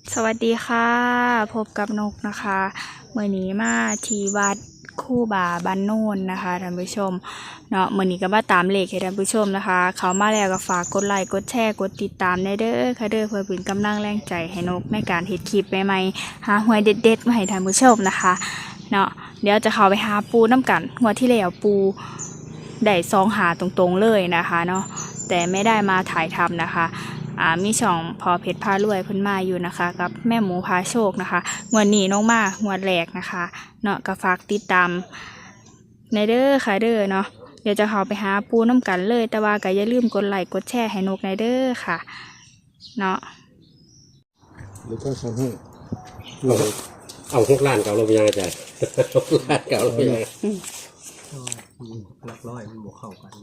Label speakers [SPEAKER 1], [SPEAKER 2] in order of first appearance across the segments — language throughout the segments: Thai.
[SPEAKER 1] สวัสดีค่ะพบกับนกนะคะเมื่อนี้มาที่วัดคู่บ่าบ้านโน่นนะคะท่านผู้ชมเนาะเมื่อนี้ก็มาตามเลขให้ท่านผู้ชมนะคะเขามาแล้วก็ฝากกดไลค์กดแชร์กดติดตามได้เด้อค่ะเด้อเพื่อเป็นกำลังแรงใจให้นกในการเฮ็ดคลิปใหม่ๆหาหวยเด็ดๆมาให้ท่านผู้ชมนะคะเนาะเดี๋ยวจะเข้าไปหาปูน้ำกันงวดที่แล้วปูได้ซองหาตรงๆเลยนะคะเนาะแต่ไม่ได้มาถ่ายทำนะคะมีช่องพอเพชรพารวยเพิ่นมาอยู่นะคะกับแม่หมูพาโชคนะคะงวดนี้น้องมางวดแรกนะคะเนาะก็ฝากติดตามในเด้อค่ะเด้อเนาะเดี๋ยวจะเข้าไปหาปูน้ำกันเลยแต่ว่าก็อย่าลืมกดไลค์กดแชร์ให้นกในเด้อค่ะเนาะ
[SPEAKER 2] หรือก็สั่งให้
[SPEAKER 3] เอา6 ล้านเก่าลงไปยังไงจ๊ะ6 ล้านเก่าลงไปยังไง
[SPEAKER 4] หลักร้อยมันบวกเข้ากันนะ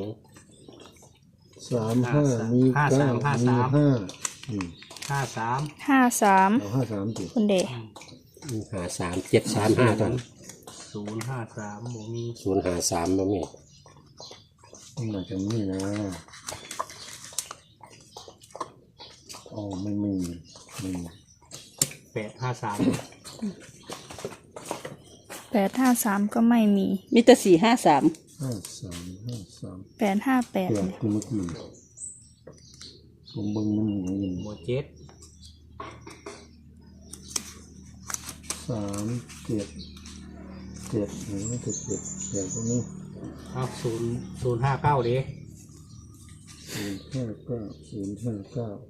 [SPEAKER 2] 35มี9มี5
[SPEAKER 4] 53
[SPEAKER 2] เอา53สิ
[SPEAKER 1] คุณเดช
[SPEAKER 3] 53 735ตอน
[SPEAKER 4] 053บ่มี
[SPEAKER 3] 053บ่มี
[SPEAKER 2] มันมาจากนี้นะอ๋อไม่มี
[SPEAKER 4] 853
[SPEAKER 1] 853ก็ไม่มี
[SPEAKER 5] มีแต่453
[SPEAKER 2] 53
[SPEAKER 1] 858
[SPEAKER 2] เปลี่ยนคือเมื่อกี้ผมเบิ่งมันอย่างนี้
[SPEAKER 4] บ่เจ็ด
[SPEAKER 2] 3 7 7นี่มันจะ7แบบตรงนี้
[SPEAKER 4] เอา059เด้
[SPEAKER 2] 059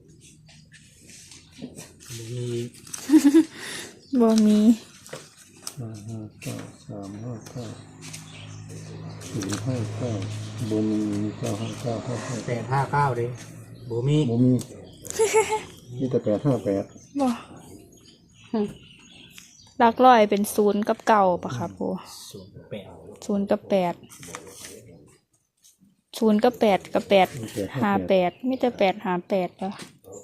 [SPEAKER 4] บ่มี
[SPEAKER 1] บ่มี
[SPEAKER 2] 559 359 059บ่มี959 559
[SPEAKER 4] 859เด้บ่มี
[SPEAKER 2] บ่มีมีแต่858
[SPEAKER 1] บ่หลักร้อยเป็น0กับ9ปะคะปู
[SPEAKER 4] 08
[SPEAKER 1] 0กับ8 0กับ8กับ8 58มีแต่858แล้ว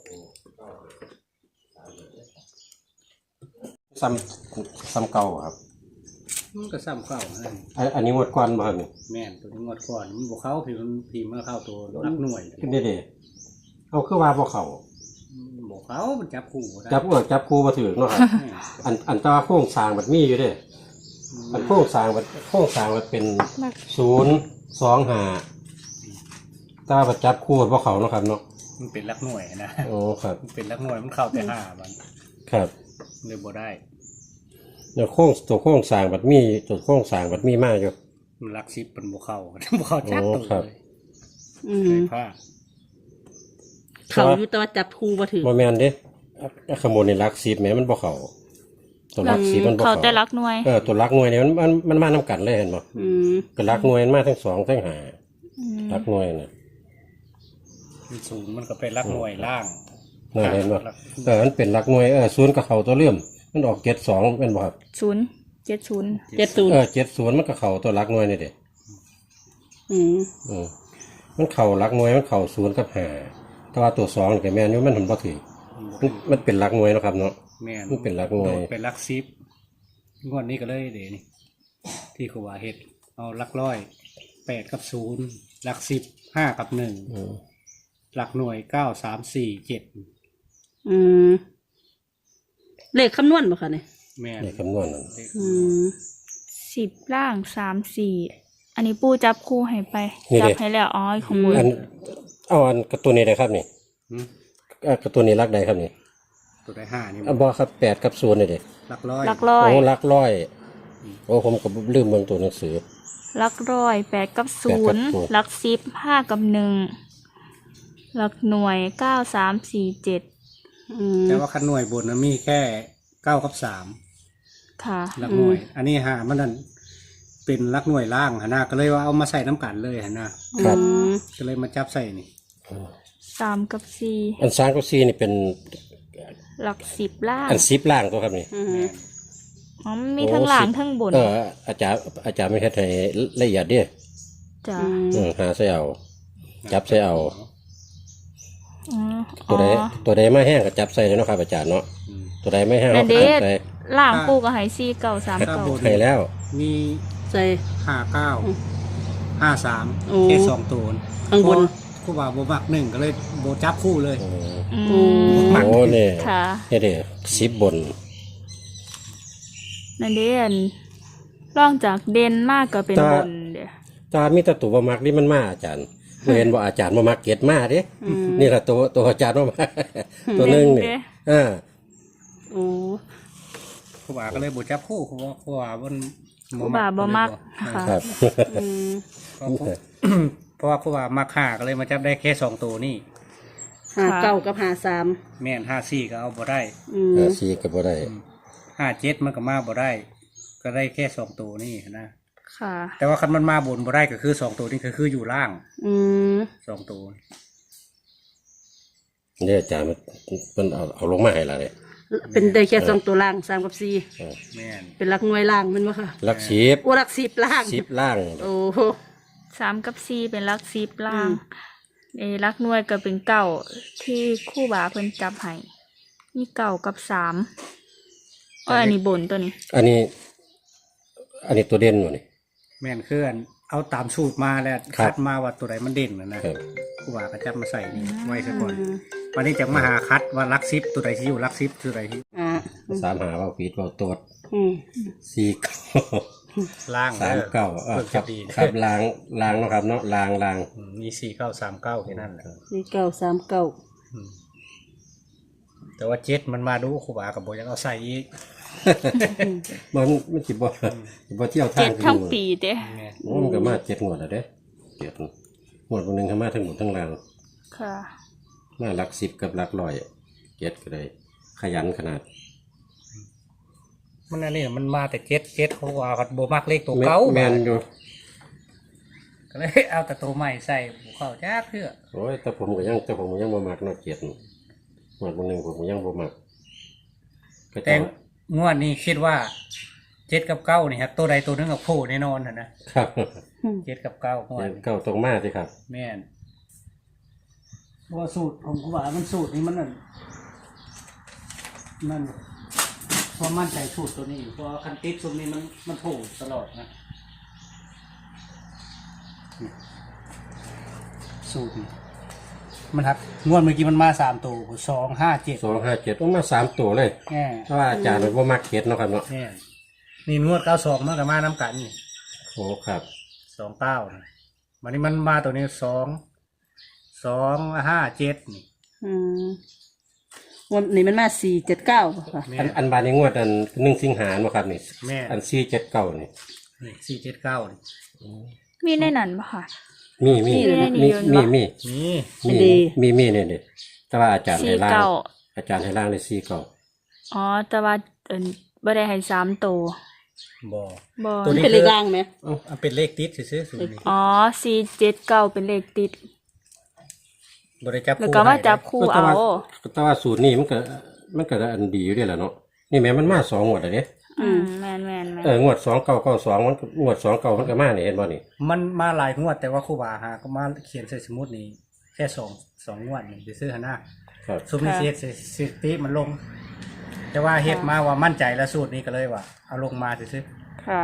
[SPEAKER 3] ซ้ำเก่าครับ
[SPEAKER 4] มันก็ซ้ำเข้านั่น
[SPEAKER 3] อันนี้งวดก่อนบ่ครับนี่
[SPEAKER 4] แม่นตัวนี้งวดก่อนมันบ่เข้าพี่มันเข้าตัวหลักหน่วย
[SPEAKER 3] ขึ้นเด้ๆเอาคือว่าบ่เข้า
[SPEAKER 4] บ่เข้ามันจับคู่บ่ได้
[SPEAKER 3] จับคู่บ่ถูกเนาะครับ
[SPEAKER 4] แม่น
[SPEAKER 3] อันแต่ว่าโครงสร้างมันมีอยู่เด้อันโครงสร้างมันเป็น025แต่ว่าบ่จับคู่บ่เข้าเนาะครับเนาะ
[SPEAKER 4] มันเป็นหลักหน่วยนะ
[SPEAKER 3] โอ้ครับ
[SPEAKER 4] มันเป็นหลักหน่วยมันเข้าแต่5มัน
[SPEAKER 3] ครับ
[SPEAKER 4] เลยบ่ได้
[SPEAKER 3] แล้วตัวโครงสร้างมันมีมากอยู่
[SPEAKER 4] มันหลัก10มันบ่เข้า บ่เข้าจักตัว
[SPEAKER 3] ครับ
[SPEAKER 4] เลย
[SPEAKER 5] อืม
[SPEAKER 4] เลยพลาด
[SPEAKER 5] เขาอยู่แต่ว่าจับครูบ่ถือ
[SPEAKER 3] บ่แม่นเด้ขโมยในหลัก10แหมมันบ่เข้าตัวหลัก10มันบ่
[SPEAKER 1] เขา
[SPEAKER 3] เข้า
[SPEAKER 1] แต่หลักหน่วย
[SPEAKER 3] ตัวหลักหน่วยเนี่ยมันมานํกันเลยเห็นบ่
[SPEAKER 5] อืม
[SPEAKER 3] ก็หลักหน่วยมันมาทั้ง2ทั้ง5
[SPEAKER 1] อืม
[SPEAKER 3] หลักหน่วยน่ะ
[SPEAKER 4] มันศูนย์มันก็เป็นหลักหน่วยล่าง
[SPEAKER 3] นั่นเห็นบ่มันเป็นหลักหน่วย0ก็เข้าตัวเลื่อมมันออก72เป็นบ่ครับ
[SPEAKER 1] 070
[SPEAKER 5] 70
[SPEAKER 3] 70มันก็เข้าตัวหลักหน่วยนี่เด้
[SPEAKER 5] อืม
[SPEAKER 3] มันเข้าหลักหน่วยมันเข้า0กับ5แต่ว่าตัว2นี่ก็แม่นอยู่มันบ่ถือมันเป็นหลักหน่วยเนาะครับเนาะ
[SPEAKER 4] แม่น
[SPEAKER 3] มันเป็นหลักหน่วย
[SPEAKER 4] โดดเป็นหลักสิบงวดนี้ก็เลยเดี๋ยวนี่ที่ครูว่าเฮ็ดเอาหลักร้อย8กับ0หลัก10 5กับ1
[SPEAKER 3] อืม
[SPEAKER 4] หลักหน่วย9 3 4 7
[SPEAKER 5] อืมเลขคำนวณบ่คะเนี่ย
[SPEAKER 4] แม่น
[SPEAKER 3] ในคำนวณนั่น
[SPEAKER 4] เลข
[SPEAKER 5] อืม
[SPEAKER 1] 10ล่าง3 4อันนี้ปูจับคู่ให้ไปจับให้แล้วอ๋อของบุญ
[SPEAKER 3] อันการ์ตูนนี้ได้ครับนี่
[SPEAKER 4] หืม
[SPEAKER 3] การ์ตูนนี้หลักใดครับนี่
[SPEAKER 4] ตัวได้5นี่
[SPEAKER 3] บ่ครับ8กับ0นี่เด้
[SPEAKER 4] หลักร้อย
[SPEAKER 1] หลักร้อย
[SPEAKER 3] โอ้หลักร้อยโอ้ผมก็ลืมเบิ่งตัวหนังสือ
[SPEAKER 1] หลักร้อย8กับ
[SPEAKER 3] 8กับ
[SPEAKER 1] 0
[SPEAKER 3] 0
[SPEAKER 1] หลัก10 5กับ1หลักหน่วย9 3 4 7
[SPEAKER 5] อืม
[SPEAKER 4] แต่ว่าคันหน่วยบนมันมีแค่9กับ3
[SPEAKER 1] ค่ะ
[SPEAKER 4] หลักหน่วย อันนี้5มันนั่นเป็นหลักหน่วยล่างหนนะก็เลยว่าเอามาใส่น้ำกันเลยหนนะครับ ก็เลยมาจับใส่นี่
[SPEAKER 1] 3 กับ
[SPEAKER 3] อัน3กับ4นี่เป็น
[SPEAKER 1] 4หลัก10ล่าง
[SPEAKER 3] อัน10ล่างตัวครับนี่
[SPEAKER 5] อืม
[SPEAKER 1] อ๋อมันมีทั้งหลังทั้งบน
[SPEAKER 3] อาจารย์ไม่เฮ็ดให้ละเอียดเด้
[SPEAKER 1] จ้ะ
[SPEAKER 3] หาใส่เอาจับใส่เอา
[SPEAKER 1] อ๋อ
[SPEAKER 3] ตัวใดไม่แห้งก็จับใส่เลยเนาะครับอาจารย์เนาะ
[SPEAKER 4] อืม
[SPEAKER 3] ตัวใดไม่แห้ง
[SPEAKER 1] นั่
[SPEAKER 3] เรา
[SPEAKER 1] น
[SPEAKER 3] ก็
[SPEAKER 1] เด้
[SPEAKER 3] จับใส่
[SPEAKER 1] ล่างปูกับไหซี่เก่า3
[SPEAKER 4] ครั
[SPEAKER 1] เก่า
[SPEAKER 4] บผม
[SPEAKER 3] ให้แล้ว
[SPEAKER 4] มี
[SPEAKER 5] ใส่
[SPEAKER 4] 59 53
[SPEAKER 5] โอ้
[SPEAKER 4] แค่2ตัว
[SPEAKER 5] ข้างบน
[SPEAKER 4] ครูบาบ่มักหนึ่งก็เลยบ่จับคู่เลย
[SPEAKER 3] โอ้
[SPEAKER 1] อื
[SPEAKER 5] โอ้
[SPEAKER 1] ม
[SPEAKER 3] โหนี่
[SPEAKER 1] ค่ะ
[SPEAKER 3] นี่เด้10บน
[SPEAKER 1] นั่นเด่นร่องจากเด่นมากก็เป็นบนเด้อ
[SPEAKER 3] ตามีแต่ตัวบ่มักนี่มันมาอาจารย์บ่เห็นบ่อาจารย์บ่มักเก็ดมาเด้
[SPEAKER 5] อืม
[SPEAKER 3] นี่ล่ะตัวอาจารย์บ่มัก ตัวหนึงนี่อ่า
[SPEAKER 5] โอ้
[SPEAKER 4] ครูบาก็เลยบ่จับคู่ครูบาบ่
[SPEAKER 1] ครูบาบ่มักค่ะ
[SPEAKER 3] ครับ
[SPEAKER 5] อืม
[SPEAKER 4] เพราะว่าครูบามัก5ก็เลยมาจับได้แค่2ตัวนี่
[SPEAKER 5] 59กับ53
[SPEAKER 4] แม่น54ก็เอาบ่ได้
[SPEAKER 5] อืม
[SPEAKER 3] สีก็บ่ได้
[SPEAKER 4] 57มันก็มาบ่ได้ ก็ได้แค่2ตัวนี่นะ
[SPEAKER 1] ค่ะ
[SPEAKER 4] แต่ว่าคันมันมาบนบ่ได้ก็คือ2ตัวนี่ก็คืออยู่ล่าง
[SPEAKER 5] อืม
[SPEAKER 4] 2ตัว
[SPEAKER 3] นี่อาจารย์มันเอาลงมาให้ล่ะเด้
[SPEAKER 5] เป็นได้แค่2ตัวล่าง3กับ4
[SPEAKER 4] แม่น
[SPEAKER 5] เป็นหลักหน่วยล่างแมันบ่ค่ะ
[SPEAKER 3] หลัก
[SPEAKER 5] โอ้หลัก10ล่าง
[SPEAKER 3] 10ล่าง
[SPEAKER 5] โอ้
[SPEAKER 1] 3 กับ 4 เป็นหลัก10ล่าง
[SPEAKER 5] อืม
[SPEAKER 1] หลักหน่วยก็เป็นเก้าที่ครู่บาเพิ่นจับให้มีเก้ากับ3อันนี้บนตัวนี้
[SPEAKER 3] อันนี้ตัวเด่นบ่นี่
[SPEAKER 4] แม่นคืออันเอาตามสูตรมาแล้ว
[SPEAKER 3] ครับ
[SPEAKER 4] คัดมาว่าตัวใดมันเด่นนะครับ ครูบาก็จับมาใส่นี่ไว้ซะก่อน
[SPEAKER 5] อืม
[SPEAKER 4] วันนี้จะมาหาคัดว่าลักซิปตัวใดที่อยู่ลักซิปตัวใดที่
[SPEAKER 5] อ่า
[SPEAKER 3] 3หาว่าผิดว่าตรวจ
[SPEAKER 5] อืม
[SPEAKER 3] 4
[SPEAKER 4] ล่าง
[SPEAKER 3] 3 9
[SPEAKER 4] เพิ่ง
[SPEAKER 3] ครั
[SPEAKER 4] จะ
[SPEAKER 3] บ
[SPEAKER 4] ดี
[SPEAKER 3] ครับล้างเนาะครับเนาะล้าง
[SPEAKER 4] มี4939แค่นั้นแหละ
[SPEAKER 5] 4939
[SPEAKER 4] อืมแต่ว่า7มันมาดูครูบากับโบยังเอาใส่อีก
[SPEAKER 3] มันสิบ่เที่ยวทา
[SPEAKER 1] เจ็
[SPEAKER 3] ง
[SPEAKER 1] ดทั้งปีเด้
[SPEAKER 4] ไง
[SPEAKER 3] โอ้มันก็มา7งวดแล้วเด้7งวดบ่นึงก็มาทั้งหมดทั้งล่าง
[SPEAKER 1] ค่ะ
[SPEAKER 3] มาหลัก10กับหลัก100 7ก็ได้ขยันขนาด
[SPEAKER 4] มันอันนี้มันมาแต่7ครูบากับโบมักเลขตัวเก่า
[SPEAKER 3] แม่นอยู่
[SPEAKER 4] ก็เลยเอาแต่ตัวใหม่ใส่บ่เข้าจ้าเพื่อ
[SPEAKER 3] โอ้ยแต่ผมก็ยังบ่มักเนาะ7งวดบ่นึงผมก็ยังบ่มักก็
[SPEAKER 4] แต่
[SPEAKER 3] จะ
[SPEAKER 4] งวดนี้คิดว่า7กับ9นี่ครับตัวใดตัวหนึงกับโผล่แน่นอนนะครับ 7กับ9งวดนี้
[SPEAKER 3] เก้าตรงมาสิครับ
[SPEAKER 4] แม่นเพราะว่าสูตรของครูบามันสูตรนี้มันนั่นเพราะมั่นใจสูตรตัวนี้เพราะว่าคันติดสูตรนี้มันโผล่ตลอดนะสูตรนี้มันครับงวดเมื่อกี้มันมา3ตัว257
[SPEAKER 3] 257ออกมา3ตัวเลย
[SPEAKER 4] แน่
[SPEAKER 3] เพราะว่าอาจารย์มันบ่มัก7เนาะครับเนาะ
[SPEAKER 4] แน่นี่งวด92มันก็มาน้ำกันนี่
[SPEAKER 3] โอ้ครับ
[SPEAKER 4] 29นะวันนี้มันมาตัวนี้257นี่
[SPEAKER 5] อืมวันนี้มันมา479ค่ะ
[SPEAKER 4] แม่
[SPEAKER 3] อันบาดนี้งวดอัน1สิงหาคมบ่ครับนี่
[SPEAKER 4] แม่
[SPEAKER 3] อัน479นี่
[SPEAKER 4] นี่479นี่
[SPEAKER 1] มีในนั้นปะค่ะ
[SPEAKER 3] มี
[SPEAKER 1] นี่
[SPEAKER 3] มี
[SPEAKER 1] นี่
[SPEAKER 3] มี
[SPEAKER 4] นี่
[SPEAKER 3] มีนี่นี่แต่ว่าอาจารย์ให้ล่าง
[SPEAKER 1] 49
[SPEAKER 3] อาจารย์ให้ล่างเลย49
[SPEAKER 1] อ๋อ แต่ว่าบ่ได้ให้3ตัว
[SPEAKER 4] บ่
[SPEAKER 1] บ่
[SPEAKER 4] ตัวนี้
[SPEAKER 5] เป็นเลขล่างไหม
[SPEAKER 4] เอาเป็นเลขติดซื้อๆสูตรนี้
[SPEAKER 1] อ๋อ479เป็นเลขติด
[SPEAKER 4] บ่ได้จับ
[SPEAKER 1] แล้ว
[SPEAKER 4] คู่
[SPEAKER 1] ก็มา
[SPEAKER 4] ให้
[SPEAKER 1] จับคู่เอา
[SPEAKER 3] แต่ว่าสูตรนี้มันก็อันดีอยู่เด้ล่ะเนาะนี่แม่มันมา2งวดแล้วเด้
[SPEAKER 1] แม่น
[SPEAKER 3] งวด2992มันงวด29มันก็มานี่เห็นบ่นี่
[SPEAKER 4] มันมาหลายงวดแต่ว่าครูบาหาก็มาเขียนใส่สมุดนี้แค่สองงวดนี่ซื้อๆหั่นนะครับ ซุมนี้สิเฮ็ดสถิติมันลง แต่ว่าเฮ็ดมาว่ามั่นใจแล้วสูตรนี้ก็เลยว่าเอาลงมาซื่อ
[SPEAKER 1] ค่ะ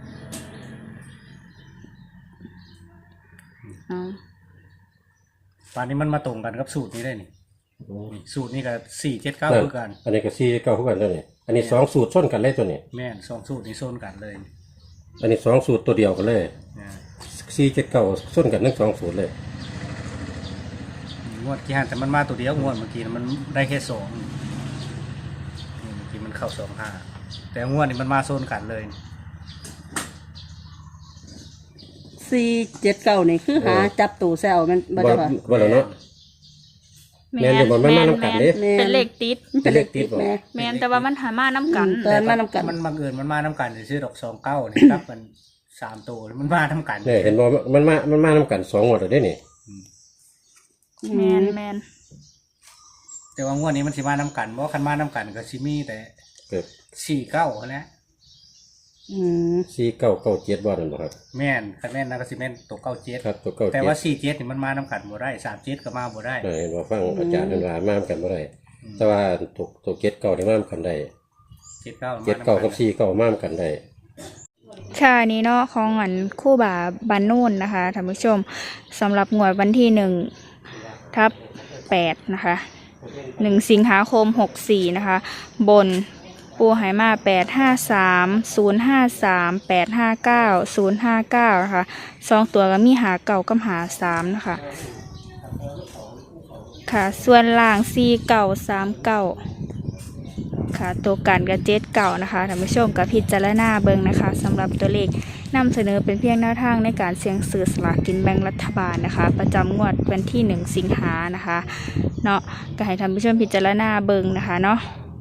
[SPEAKER 4] ๆป่านนี้มันมาตรงกันกับสูตรนี้ได้นี่นี่สูตรนี้ก็479คือกัน
[SPEAKER 3] อันนี้ก็49คือกันแล้วนี่อันนี้2สูตรส้นกันเลยตัวนี้
[SPEAKER 4] แม่นสองสูตรนี้โซนกันเลย
[SPEAKER 3] อันนี้2สูตรตัวเดียวกันเลย
[SPEAKER 4] นะ
[SPEAKER 3] 479ส้นกันทั้ง2สูตรเลย
[SPEAKER 4] งวดที่ห้าแต่มันมาตัวเดียวงวดเมื่อกี้น่ะมันได้แค่2นี่เมื่อกี้มันเข้า25แต่งวดนี้มันมาโซนกันเลย
[SPEAKER 5] 479นี่คือหาจับตู้แซวมันบ่ได้ค่ะ
[SPEAKER 3] ว่าแล้วเนาะ แม่นอยู่บ่แม่นมานํกันเด้
[SPEAKER 5] แม่น
[SPEAKER 1] เป็นเลขติด
[SPEAKER 5] เป็นเลขติดแม่
[SPEAKER 1] แม่นแต่ว่ามันหามาน้ำกัน
[SPEAKER 5] ตอนมานำกัน
[SPEAKER 4] มันบังเอิญมันมาน้ำกันซื้อดอก29นี่ครับมัน3ตัวมันมาน้ำกัน
[SPEAKER 3] เนี่ยเห็นบ่มันมานํกัน2งวดแล้วเด้นี่
[SPEAKER 1] แม่น
[SPEAKER 4] แต่ว่างวดนี้มันสิมาน้ำกันเพราะคันมาน้ำกันก็สิมีแต่
[SPEAKER 3] เกิด
[SPEAKER 4] 49นะ
[SPEAKER 5] อืม
[SPEAKER 3] 4997บ่นั่นบ่ครับ
[SPEAKER 4] แม่นคันแม่นนะก็สิแม่นตัว
[SPEAKER 3] ครับตัว
[SPEAKER 4] 97
[SPEAKER 3] 97
[SPEAKER 4] แต่ว่า47นี่มันมาน้ำกันบ่ได้37ก็มาบ่ได้
[SPEAKER 3] เห็นบ่ฟังอาจารย์เพิ่นว่ามานํกันบ่ได้แต่ว่าตัว79นี่มานํกันได้
[SPEAKER 4] 79
[SPEAKER 3] 79กับ49มานํกันได้
[SPEAKER 1] ค่ะอันนี้เนาะของอันคู่บ่าบานโน่นนะคะท่านผู้ชมสำหรับงวดวันที่ 2567/8นะคะ1สิงหาคม64นะคะบนปูไหมา853 053 859 059นะคะ2ตัวก็มีหาเก่ากับหา3นะคะค่ะส่วนล่าง4เก่า3เก่าค่ะตัวกันกับ7เก่านะคะท่านผู้ชมกับพิจารณาเบิ่งนะคะสำหรับตัวเลขนำเสนอเป็นเพียงแนวทางในการเสี่ยงซื้อสลากกินแบ่งรัฐบาลนะคะประจำงวดวันที่1สิงหานะคะเนาะก็ให้ท่านผู้ชมพิจารณาเบิ่งนะคะเนาะ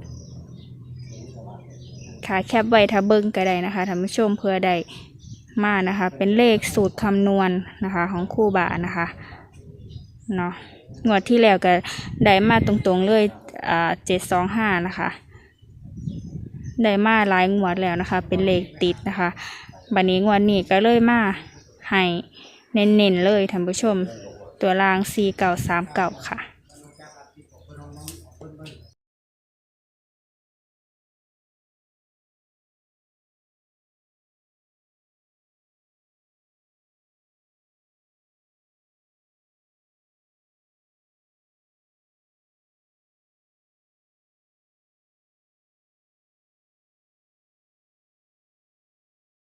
[SPEAKER 1] ค่ะแคปไว้ถ้าเบิ่งก็ได้นะคะท่านผู้ชมเพื่อได้มานะคะเป็นเลขสูตรคำนวณนะคะของครูบานะคะเนาะงวดที่แล้วก็ได้มาตรงๆเลย725นะคะได้มาหลายงวดแล้วนะคะเป็นเลขติดนะคะบัดนี้งวดนี้ก็เลยมาให้เน้นๆเลยท่านผู้ชมตัวราง4939ค่ะ